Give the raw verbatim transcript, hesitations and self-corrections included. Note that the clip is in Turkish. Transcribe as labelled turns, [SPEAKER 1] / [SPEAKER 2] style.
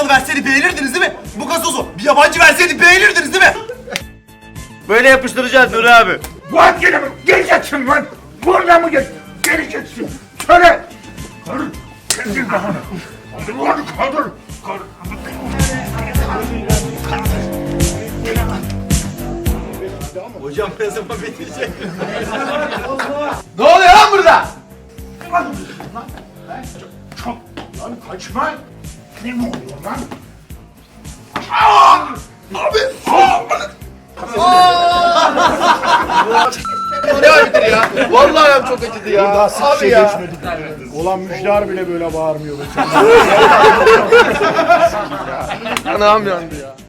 [SPEAKER 1] Amerikalı verseydi beğenirdiniz değil mi? Bu gazozu bir yabancı verseydi beğenirdiniz değil mi?
[SPEAKER 2] Böyle yapıştıracağız Nuri abi.
[SPEAKER 3] Fuat gene mi? Geleceksin lan. Burada mı gel? Geleceksin. Söyle. Kaldır. Kendin kafanı. Kaldır lan kaldır. Kaldır.
[SPEAKER 1] Hocam ne zaman bitirecek?
[SPEAKER 2] Ne oluyor lan burada?
[SPEAKER 3] Çok. Lan kaçma. Ne mi oluyor lan? Aa! Abi. Aa!
[SPEAKER 2] Ne ayıptır ya? Vallahi ayağım çok acıdı ya.
[SPEAKER 4] Daha sık
[SPEAKER 2] Abi
[SPEAKER 4] şey
[SPEAKER 2] ya.
[SPEAKER 4] geçmedik. Olan Müjdat bile böyle bağırmıyor.
[SPEAKER 2] Anam yandı ya.